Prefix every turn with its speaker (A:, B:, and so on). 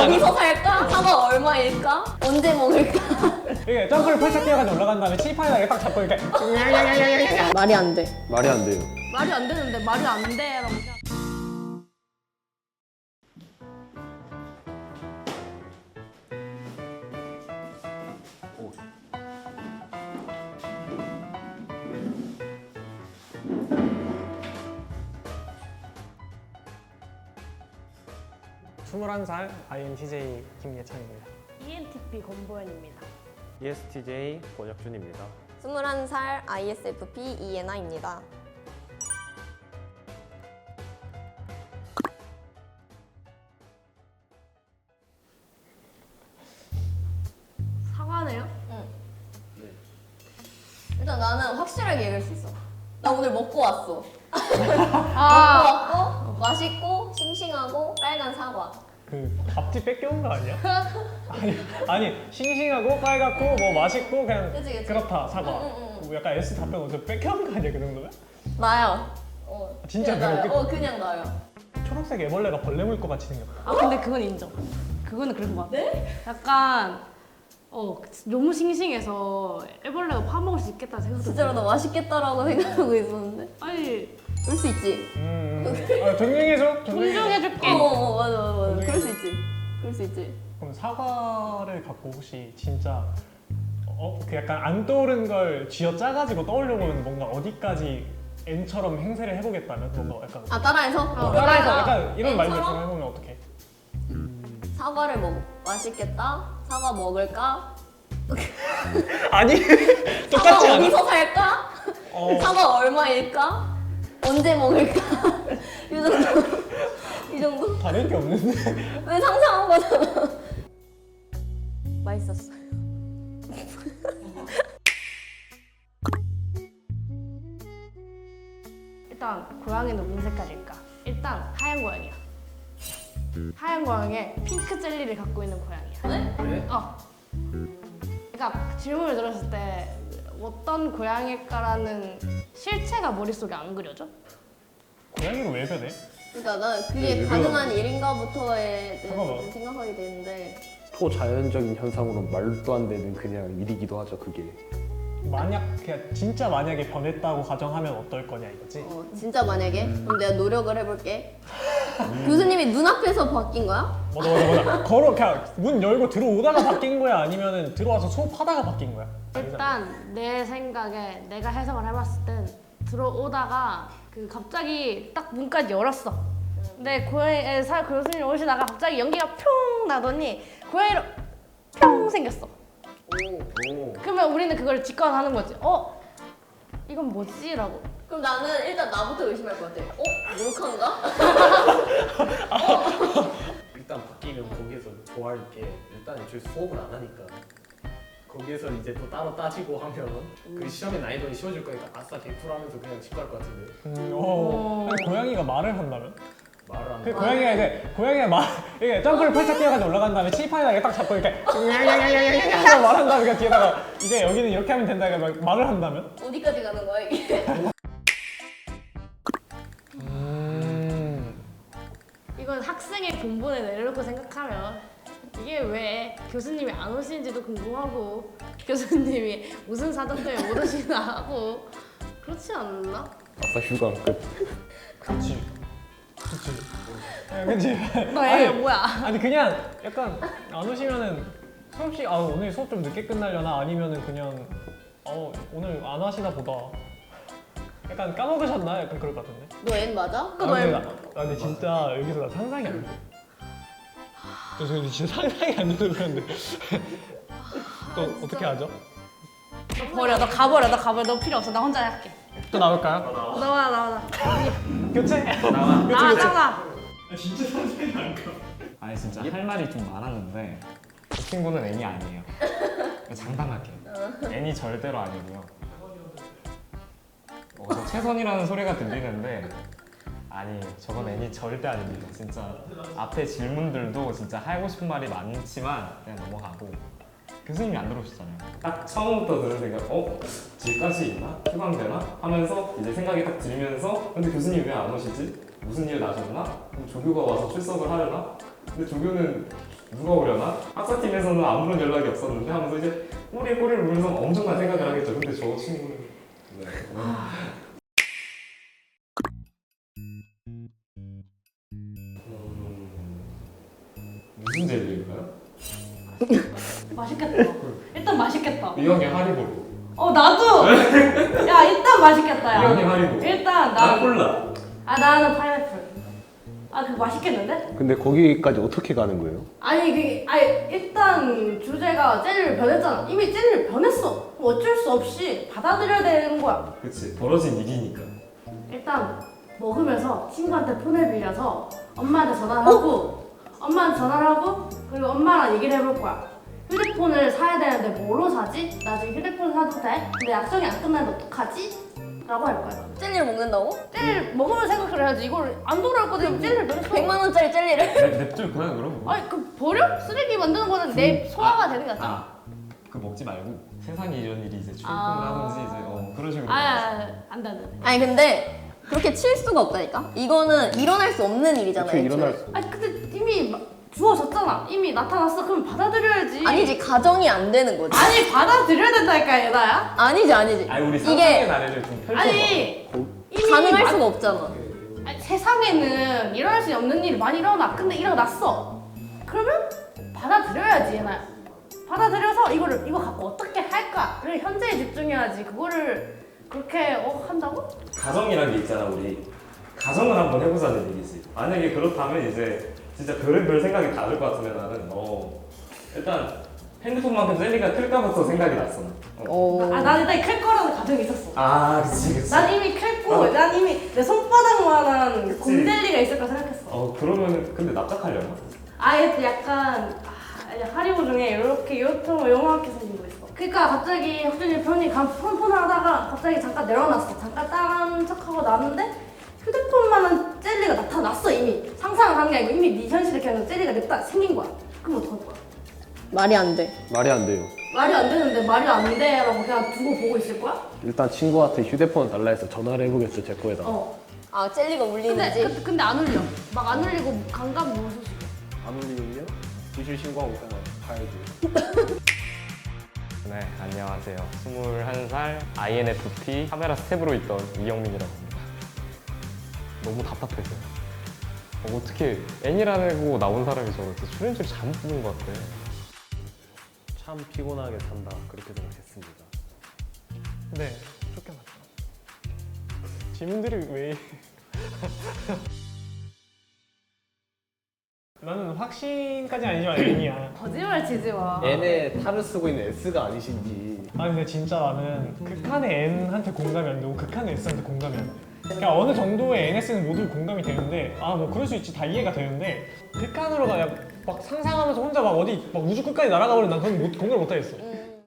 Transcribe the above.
A: 어디서 살까? 사과 얼마일까? 언제 먹을까?
B: 이게 점프를 펄쩍 뛰어가지고 올라간 다음에 칠판에다 딱 잡고 이렇게
A: 말이 안 돼.
C: 말이 안 돼요.
D: 말이 안 되는데 말이 안 돼라고.
C: 오.
B: 21살 INTJ 김예찬입니다.
D: ENTP 권보현입니다.
C: ESTJ 권혁준입니다.
A: 21살 ISFP 이예나입니다.
D: 사과네요?
A: 일단 나는 확실하게 얘기할 수 있어. 나 오늘 먹고 왔어.
D: 아,
A: 먹고 왔고 맛있고 싱싱하고 빨간 사과.
B: 그 앞뒤 뺏겨온 거 아니야? 아니 싱싱하고 빨갛고 뭐 맛있고 그냥
A: 그치.
B: 그렇다 사과.
A: 응.
B: 뭐 약간 S 답변 어떻게 뺏겨온 거 아니야 그 정도면?
A: 나요.
B: 진짜
A: 그냥 나요.
B: 그렇게?
A: 그냥 나요.
B: 초록색 애벌레가 벌레 물 것 같이 생겼다.
D: 아 근데 그건 인정. 그거는 그런 것 같아.
A: 네?
D: 약간 너무 싱싱해서 애벌레가 파먹을 수 있겠다 생각도
A: 진짜로 나
D: 들어요.
A: 맛있겠다라고 생각하고 있었는데.
D: 아니
A: 그럴 수 있지.
B: 존중해줘.
D: 존중해줄게.
A: 맞아. 그럴 수 있지. 그럴 수 있지.
B: 그럼 사과를 갖고 혹시 진짜 그 약간 안 떠오른 걸 쥐어 짜가지고 떠올려보면 뭔가 어디까지 N처럼 행세를 해보겠다면 뭔가 약간
A: 아 따라해서?
B: 따라해서 약간 이런 말들
A: N처럼?
B: 좀 해보면 어떡해?
A: 사과를 먹 맛있겠다. 사과 먹을까?
B: 아니
A: 사과
B: 똑같지 않아?
A: 어디서 살까? 사과 얼마일까? 언제 먹을까? 이 정도. 이 정도?
B: 다를 게 없는데.
A: 왜 상상한 거잖아. 맛있었어요.
D: 일단 고양이는 무슨 색깔일까? 일단 하얀 고양이야. 하얀 고양이에 핑크 젤리를 갖고 있는 고양이야.
A: 네?
C: 네?
D: 그러니까 질문을 들었을 때 어떤 고양일까라는 실체가 머릿속에 안 그려져?
B: 고양이로 왜 변해?
A: 그러니까 난 그게
C: 네,
A: 가능한 일인가부터에
B: 잠깐만.
A: 대해서 생각하게 되는데
C: 초자연적인 현상으로 말도 안 되는 그냥 일이기도 하죠, 그게.
B: 만약 그냥 진짜 만약에 변했다고 가정하면 어떨 거냐 이거지?
A: 진짜 만약에 그럼 내가 노력을 해볼게. 교수님이 눈앞에서 바뀐 거야?
B: 뭐다 걸어 그냥 문 열고 들어오다가 바뀐 거야 아니면은 들어와서 수업하다가 바뀐 거야?
D: 일단 내 생각에 내가 해석을 해봤을 땐 들어오다가 그 갑자기 딱 문까지 열었어. 근데 고양이 교수님 오시다가 갑자기 연기가 뿅 나더니 고양이로 뿅 생겼어.
C: 오.
D: 그러면 우리는 그걸 직관하는 거지. 이건 뭐지? 라고.
A: 그럼 나는 일단 나부터 의심할 것 같아. 몰카인가?
E: 일단 바뀌면 거기에서 좋아할 게 일단 애초에 수업을 안 하니까 거기에서 이제 또 따로 따지고 하면 그 시험의 난이도는 쉬워질 거니까 아싸 100% 하면서 그냥 집 갈 것 같은데
B: 근데 고양이가 말을 한다면?
E: 말을 안
B: 그
E: 하고
B: 고양이가 이제 이게 점프를 펄쩍 뛰어가지고 올라간 다음에 칠판에다 이렇게 딱 잡고 이렇게 하고 말한 다음에 그냥 뒤에다가 이제 여기는 이렇게 하면 된다 이렇게 막 말을 한다면?
A: 어디까지 가는 거야 이게?
D: 이건 학생의 본분에 내려놓고 생각하면 이게 왜 교수님이 안 오시는지도 궁금하고 교수님이 무슨 사정 때문에 못 오시나 하고 그렇지 않나?
C: 아싸 휴강 끝.
B: 그치 그치?
D: 너애 뭐야?
B: 아니 그냥 약간 안 오시면은 수업시 오늘 수업 좀 늦게 끝나려나 아니면은 그냥 오늘 안 하시나 보다 약간 까먹으셨나? 약간 그럴 것 같은데
A: 너 N 맞아?
B: 근데 진짜 여기서 나 상상이 안 돼. 근데 진짜 상상이 안 돼서 그런데 또 어떻게 하죠?
D: 너 버려, 너 가버려, 너 필요 없어. 나 혼자 할게.
B: 또 나올까요?
D: 나와.
B: 교체?
D: 나와.
B: 진짜 상상이 안 가.
F: 아니 진짜 할 말이 좀 많았는데 그 친구는 N이 아니에요. 장담할게요. N이 절대로 아니고요. 저 최선이라는 소리가 들리는데 아니 저건 N이 절대 아닙니다. 진짜 앞에 질문들도 진짜 하고 싶은 말이 많지만 그냥 넘어가고 교수님이 안 들어오셨잖아요. 딱 처음부터 들은 생각 집까지 있나? 휴강되나? 하면서 이제 생각이 딱 들면서 근데 교수님 왜 안 오시지? 무슨 일 나셨나? 그럼 조교가 와서 출석을 하려나? 근데 조교는 누가 오려나? 학사팀에서는 아무런 연락이 없었는데 하면서 이제 꼬리를 물면서 엄청난 생각을 하겠죠. 근데 저 친구는 네. 무슨 젤리일까요?
D: 맛있겠다. 일단 맛있겠다.
F: 이형이 하리보.
D: 나도. 야 일단 맛있겠다.
F: 이형이
D: 야.
F: 하리보.
D: 일단
F: 난 콜라.
D: 나는 파인애플. 그거 맛있겠는데?
C: 근데 거기까지 어떻게 가는 거예요?
D: 아니 일단 주제가 젤리를 변했잖아. 이미 젤리를 변했어. 그럼 어쩔 수 없이 받아들여야 되는 거야.
F: 그치. 벌어진 일이니까.
D: 일단 먹으면서 친구한테 폰을 빌려서 엄마한테 전화를 하고 그리고 엄마랑 얘기를 해볼 거야. 휴대폰을 사야 되는데 뭐로 사지? 나 지금 휴대폰 사도 돼? 근데 약속이 안 끝나는데 어떡하지? 라고 할 거야.
A: 젤리를 먹는다고?
D: 젤리 먹으면 생각을 해야지. 이걸 안 돌아올 거든 젤리를 변했어.
A: 100만 원짜리 젤리를?
F: 냅둘 거야 그럼?
D: 아니 그 버려? 쓰레기 만드는 거는 내 소화가 되는 게 낫잖아.
F: 그 먹지 말고 세상에 이런 일이 이제 출근을
D: 아.
F: 하든지 이제 그런 식으로.
D: 안 돼.
A: 아니 근데 그렇게 칠 수가 없다니까? 이거는 일어날 수 없는 일이잖아요.
C: 어떻게 일어날
A: 애초에.
C: 수?
D: 아니 근데 이미 주어졌잖아. 이미 나타났어. 그럼 받아들여야지.
A: 아니지, 가정이 안 되는 거지.
D: 아니 받아들여야 된다니까 얘나야.
A: 아니지.
F: 아니 우리
A: 이게
F: 상상의 나래를 좀 펼쳐봐.
D: 아니 이미
A: 가능할
D: 마-
A: 수가 없잖아.
D: 아니, 세상에는 일어날 수 없는 일이 많이 일어나. 근데 일어났어. 그러면 받아들여야지 얘나야. 받아들여서 이거 갖고 어떻게 할까를 현재에 집중해야지. 그거를 그렇게 한다고?
F: 가정이란 게 있잖아 우리. 가정을 한번 해보자는 얘기지. 만약에 그렇다면 이제 진짜 별의별 생각이 다 들 것 같으면 나는 일단 핸드폰만큼 젤리가 클까부터 생각이 났어.
D: 난 일단 클 거라는 가정이 있었어.
F: 그치.
D: 난 이미 클고 난 이미 내 손바닥만한
F: 그치.
D: 곰젤리가 있을 거라 생각했어.
F: 그러면 근데 납작하려나?
D: 약간 하리보 중에 이렇게 요렇게 생긴 거 있어. 그러니까 갑자기 혁준이 편히 폰을 하다가 갑자기 잠깐 내려놨어. 잠깐 딴 척하고 나는데 휴대폰만한 젤리가 나타났어 이미. 상상을 한 게 아니고 이미 네 현실에 그냥 젤리가 냅다 생긴 거야. 그럼 어떡할 거야?
A: 말이 안 돼.
C: 말이 안 돼요.
D: 말이 안 되는데 말이 안 돼라고 그냥 두고 보고 있을 거야?
C: 일단 친구한테 휴대폰 달라 해서 전화를 해보겠죠, 제 거에다.
A: 아, 젤리가 울리는지?
D: 근데 안 울려. 막 안 울리고 감각 무소식.
C: 안 울리면요? 기술 신고하고 그냥 가야지.
F: 네, 안녕하세요. 21살 INFP 카메라 스텝으로 있던 이영민이라고 합니다. 너무 답답해서요. 어떻게 N이라고 나온 사람이 저렇게 출연료를 잘못 뽑은 것 같아.
C: 참 피곤하게 산다, 그렇게 생각했습니다.
B: 네, 쫓겨났죠. 질문들이 왜? 나는 확신까지 아니지만 N이야.
D: 거짓말 치지 마.
C: N에 탈을 쓰고 있는 S가 아니신지.
B: 아니 근데 진짜 나는 극한의 N한테 공감이 안 되고 극한의 S한테 공감이 안 돼. 그러니까 어느 정도의 NS는 모두 공감이 되는데 뭐 그럴 수 있지, 다 이해가 되는데 극한으로 막 상상하면서 혼자 막 어디 막 우주 끝까지 날아가 버리면 난 그건 공감을 못 하겠어.